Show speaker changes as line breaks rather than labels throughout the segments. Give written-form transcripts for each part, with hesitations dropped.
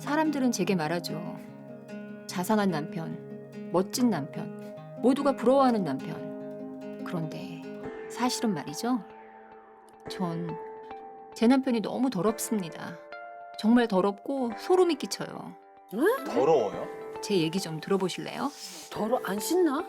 사람들은 제게 말하죠. 자상한 남편, 멋진 남편, 모두가 부러워하는 남편. 그런데 사실은 말이죠. 전 제 남편이 너무 더럽습니다. 정말 더럽고 소름이 끼쳐요.
더러워요?
제 얘기 좀 들어보실래요?
안 씻나?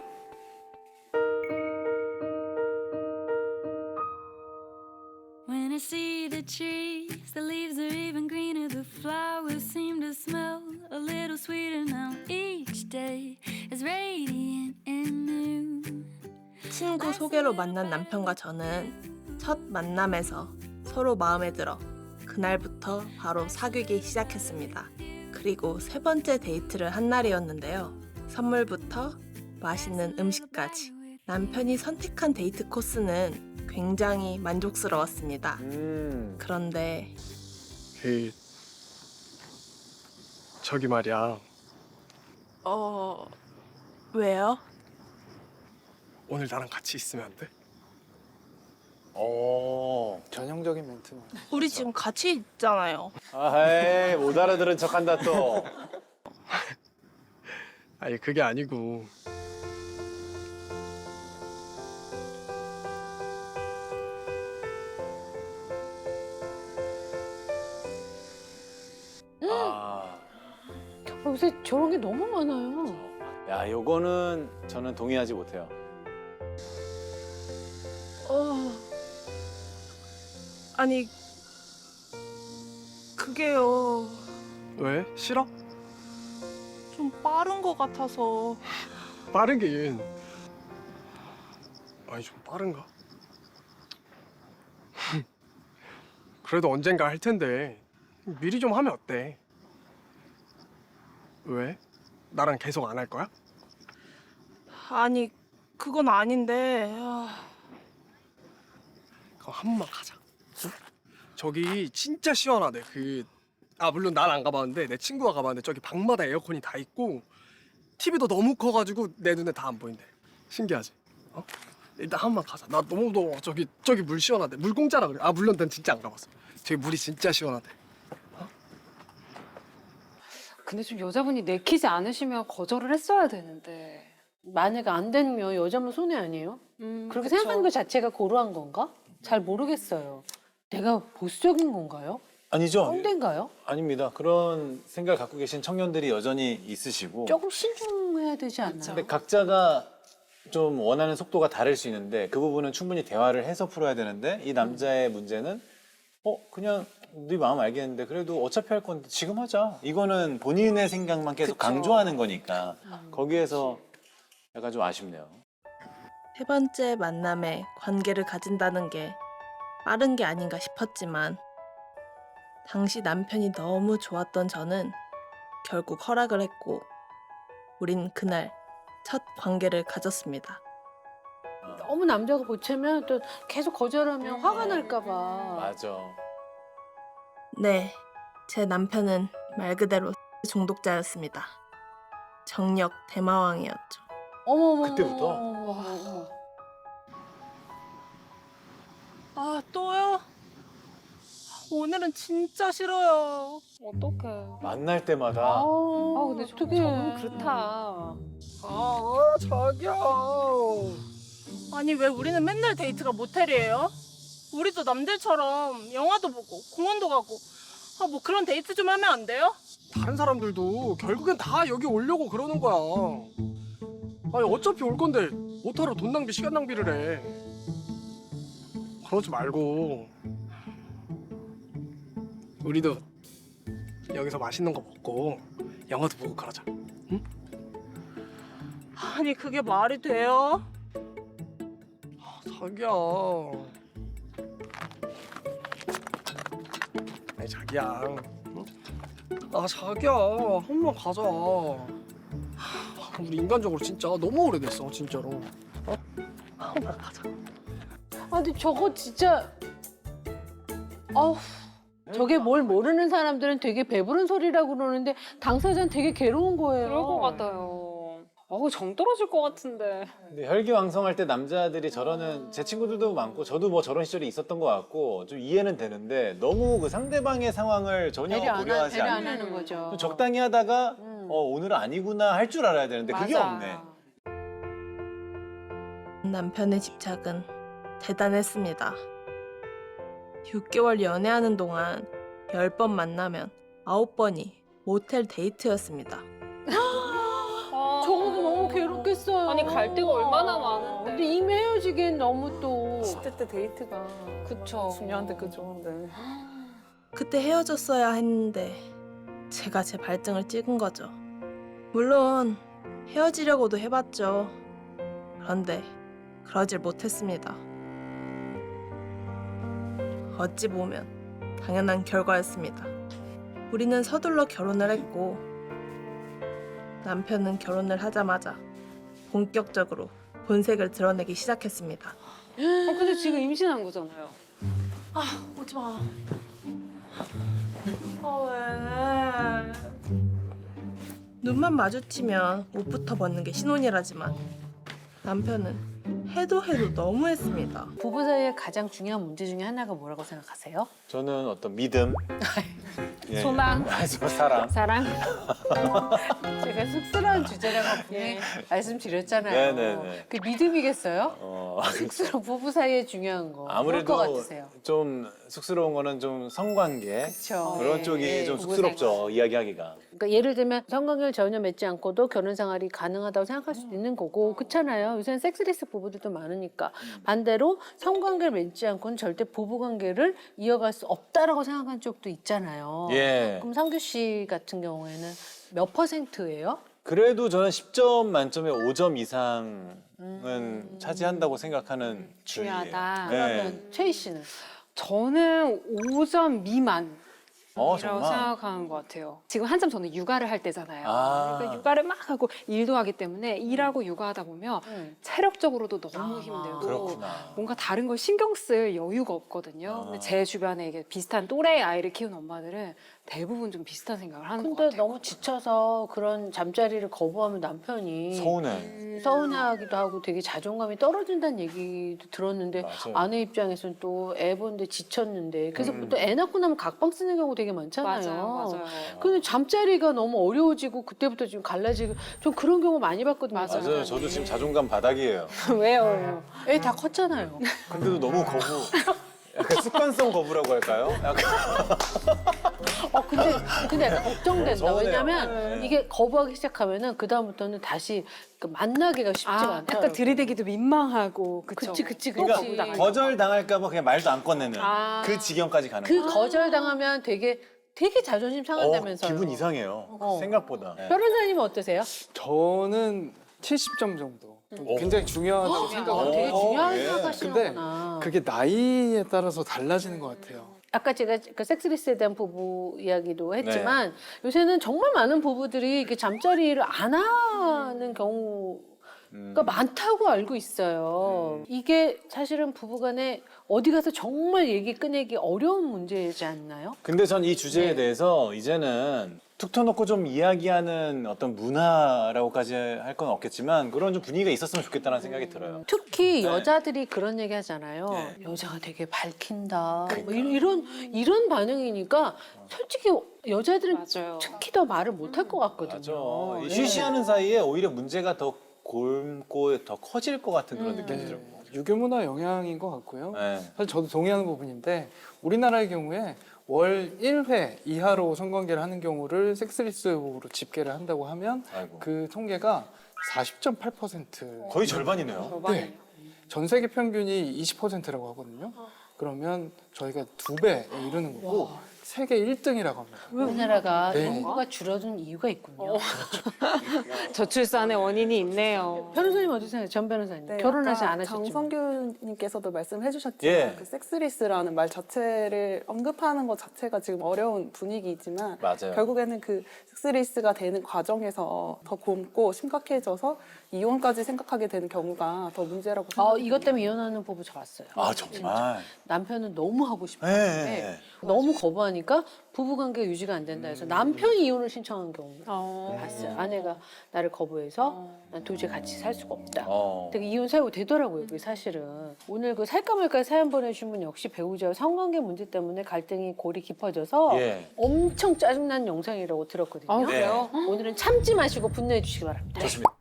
When I see the trees, the leaves are even greener, the flowers seem to smell a little sweeter now. Each day is radiant and new.
친구 소개로 만난 남편과 저는 첫 만남에서 서로 마음에 들어 그날부터 바로 사귀기 시작했습니다. 그리고 세 번째 데이트를 한 날이었는데요. 선물부터 맛있는 음식까지 남편이 선택한 데이트 코스는 굉장히 만족스러웠습니다. 그런데
저기 말이야.
왜요?
오늘 나랑 같이 있으면 안 돼?
전형적인 멘트.
우리 지금 같이 있잖아요.
아이, 못 알아들은 척한다 또.
아니 그게 아니고
아,
요새 저런 게 너무 많아요.
야, 요거는 저는 동의하지 못해요.
아니 그게요.
왜? 싫어?
좀 빠른 것 같아서.
빠르긴. 아니 좀 빠른가? 그래도 언젠가 할 텐데 미리 좀 하면 어때? 왜? 나랑 계속 안 할 거야?
아니 그건 아닌데.
그럼 한 번만 가자. 응? 저기 진짜 시원하대. 물론 난 안 가봤는데 내 친구가 가봤는데 저기 방마다 에어컨이 다 있고 TV도 너무 커가지고 내 눈에 다 안 보인대. 신기하지? 어? 일단 한 번만 가자. 나 너무 더워. 저기 물 시원하대. 물 공짜라 그래. 물론 난 진짜 안 가봤어. 저기 물이 진짜 시원하대.
근데 좀 여자분이 내키지 않으시면 거절을 했어야 되는데. 만약에 안 되면 여자분 손해 아니에요? 그렇게
그쵸.
생각하는 것 자체가 고루한 건가? 잘 모르겠어요. 내가 보수적인 건가요?
아니죠?
꼰대인가요?
아닙니다. 그런 생각을 갖고 계신 청년들이 여전히 있으시고.
조금 신중해야 되지 않나요?
근데 각자가 좀 원하는 속도가 다를 수 있는데 그 부분은 충분히 대화를 해서 풀어야 되는데 이 남자의 문제는 그냥 네 마음 알겠는데 그래도 어차피 할 건데 지금 하자. 이거는 본인의 생각만 계속
그쵸.
강조하는 거니까 거기에서 약간 좀 아쉽네요.
세 번째 만남에 관계를 가진다는 게 빠른 게 아닌가 싶었지만 당시 남편이 너무 좋았던 저는 결국 허락을 했고 우린 그날 첫 관계를 가졌습니다.
너무 남자가 보채면 또 계속 거절하면 화가 날까 봐.
맞아.
네, 제 남편은 말 그대로 중독자였습니다. 정력 대마왕이었죠.
어머머.
그때부터?
또요? 오늘은 진짜 싫어요.
어떡해.
만날 때마다
근데 어떡해.
저건 그렇다.
자기야.
아니 왜 우리는 맨날 데이트가 모텔이에요? 우리도 남들처럼 영화도 보고 공원도 가고 뭐 그런 데이트 좀 하면 안 돼요?
다른 사람들도 결국엔 다 여기 오려고 그러는 거야. 아니 어차피 올 건데 못하러 돈 낭비 시간 낭비를 해. 그러지 말고 우리도 여기서 맛있는 거 먹고 영화도 보고 그러자. 응?
아니 그게 말이 돼요?
자기야. 아니 자기야. 응? 자기야 한 번 가자. 우리 인간적으로 진짜 너무 오래됐어 진짜로. 한 번 가자.
근데 저거 진짜 저게 뭘 모르는 사람들은 되게 배부른 소리라고 그러는데 당사자는 되게 괴로운 거예요.
그럴 것 같아요.
정 떨어질 것 같은데.
근데 혈기왕성할 때 남자들이 저러는 제 친구들도 많고 저도 뭐 저런 시절이 있었던 것 같고 좀 이해는 되는데 너무 그 상대방의 상황을 전혀 고려하지
배려 안
않는
하는 거죠.
좀 적당히 하다가 오늘은 아니구나 할 줄 알아야 되는데 그게
맞아.
없네.
남편의 집착은 대단했습니다. 6개월 연애하는 동안 10번 만나면 9번이 모텔 데이트였습니다.
저거도 너무 괴롭겠어요.
아니 갈 데가 얼마나 많은데.
근데 이미 헤어지기엔 너무 또.
10대 때 데이트가
그쵸.
중요한데 그죠. 네.
그때 헤어졌어야 했는데 제가 제 발등을 찍은 거죠. 물론 헤어지려고도 해봤죠. 그런데 그러질 못했습니다. 어찌 보면 당연한 결과였습니다. 우리는 서둘러 결혼을 했고 남편은 결혼을 하자마자 본격적으로 본색을 드러내기 시작했습니다.
근데 지금 임신한 거잖아요.
오지 마. 왜? 눈만 마주치면 옷부터 벗는 게 신혼이라지만 남편은 해도 너무했습니다.
부부 사이의 가장 중요한 문제 중에 하나가 뭐라고 생각하세요?
저는 어떤 믿음, 예.
소망.
사랑.
사랑. 제가 쑥스러운 주제라고 분명히 말씀드렸잖아요.
네네네.
그 믿음이겠어요? 쑥스러운 부부 사이에 중요한 거.
아무래도
뭘것 같으세요?
좀 쑥스러운 거는 좀 성관계
그렇죠.
그런 쪽이 좀 쑥스럽죠 이야기하기가.
그러니까 예를 들면 성관계를 전혀 맺지 않고도 결혼 생활이 가능하다고 생각할 수도 있는 거고 그렇잖아요. 요새는 섹스리스 부부들도 많으니까. 반대로 성관계를 맺지 않고는 절대 부부관계를 이어갈 수 없다라고 생각하는 쪽도 있잖아요.
예.
그럼 상규 씨 같은 경우에는 몇 %예요?
그래도 저는 10점 만점에 5점 이상은 차지한다고 생각하는 주의예요.
중요하다.
네.
그러면 최희 씨는?
저는 5점 미만. 이라고
정말.
생각하는 것 같아요. 지금 한참 저는 육아를 할 때잖아요.
아.
그러니까 육아를 막 하고 일도 하기 때문에 일하고 육아하다 보면 체력적으로도 너무 힘들고
그렇구나.
뭔가 다른 걸 신경 쓸 여유가 없거든요. 근데 제 주변에 이게 비슷한 또래 아이를 키우는 엄마들은 대부분 좀 비슷한 생각을 하는 것
근데
같아요.
너무 지쳐서 그런 잠자리를 거부하면 남편이
서운해.
서운해하기도 하고 되게 자존감이 떨어진다는 얘기도 들었는데
맞아요.
아내 입장에서는 또 애 보는데 지쳤는데 그래서 또 애 낳고 나면 각방 쓰는 경우 되게 많잖아요.
맞아요.
근데 잠자리가 너무 어려워지고 그때부터 지금 갈라지고 좀 그런 경우 많이 봤거든요.
맞아요. 저도 지금 자존감 바닥이에요.
왜요? 애 다 컸잖아요.
근데도 너무 거부. 약간 습관성 거부라고 할까요? 약간
근데 약간 걱정된다.
서운해요.
왜냐면 이게 거부하기 시작하면은 그 다음부터는 다시 그 만나기가 쉽지가 않다.
약간 들이대기도 민망하고 그쵸?
그치.
그러니까 거절 당할까봐 그냥 말도 안 꺼내는 그 지경까지 가는
그
거예요.
거절당하면 되게 자존심 상한다면서요.
기분 이상해요. 생각보다. 네.
변호사님은 어떠세요?
저는 70점 정도. 굉장히 중요하다고 생각을
되게
해요.
중요한
예.
생각하시는구나.
그게 나이에 따라서 달라지는 것 같아요.
아까 제가 그 섹스리스에 대한 부부 이야기도 했지만 요새는 정말 많은 부부들이 이게 잠자리를 안 하는 경우가 많다고 알고 있어요. 이게 사실은 부부간에 어디 가서 정말 얘기 꺼내기 어려운 문제이지 않나요?
근데 전 이 주제에
네.
대해서 이제는 툭 터놓고 좀 이야기하는 어떤 문화라고까지 할 건 없겠지만 그런 좀 분위기가 있었으면 좋겠다는 생각이 들어요.
특히
네.
여자들이 그런 얘기 하잖아요.
네.
여자가 되게 밝힌다. 뭐 이런 반응이니까 솔직히 여자들은
맞아요.
특히 더 말을 못 할 것 같거든요.
맞아. 이
네.
쉬쉬하는 사이에 오히려 문제가 더 곪고 더 커질 것 같은 그런 느낌이 들고.
유교문화 영향인 것 같고요.
네.
사실 저도 동의하는 부분인데 우리나라의 경우에 월 1회 이하로 성관계를 하는 경우를 섹스리스로 집계를 한다고 하면
아이고.
그 통계가 40.8%.
거의 절반이네요.
네. 전 세계 평균이 20%라고 하거든요. 그러면 저희가 2배에 이르는 거고 세계 1등이라고 합니다.
우리나라가
네.
인구가 줄어든 이유가 있군요.
저출산의 원인이 있네요.
변호사님 어떻게 생각해요? 전 변호사님.
네,
결혼하지
아까
않으셨지만.
정성규님께서도 말씀해 주셨지만
예.
그 섹스리스라는 말 자체를 언급하는 것 자체가 지금 어려운 분위기이지만
맞아요.
결국에는 그 섹스리스가 되는 과정에서 더 곪고 심각해져서 이혼까지 생각하게 되는 경우가 더 문제라고 생각합니다.
이것 때문에 이혼하는 부부 저 봤어요.
아 정말.
남편은 너무 하고
네.
싶었는데 너무 거부하니까 그러니까 부부관계가 유지가 안 된다 해서 남편이 이혼을 신청한 경우 봤어요. 아내가 나를 거부해서 난 도저히 같이 살 수가 없다. 되게 이혼 사유가 되더라고요. 그게 사실은. 오늘 그 살까 말까 사연 보내주신 분 역시 배우자와 성관계 문제 때문에 갈등이 골이 깊어져서
예.
엄청 짜증난 영상이라고 들었거든요.
아, 그래요?
오늘은 참지 마시고 분노해 주시기 바랍니다.
좋습니다.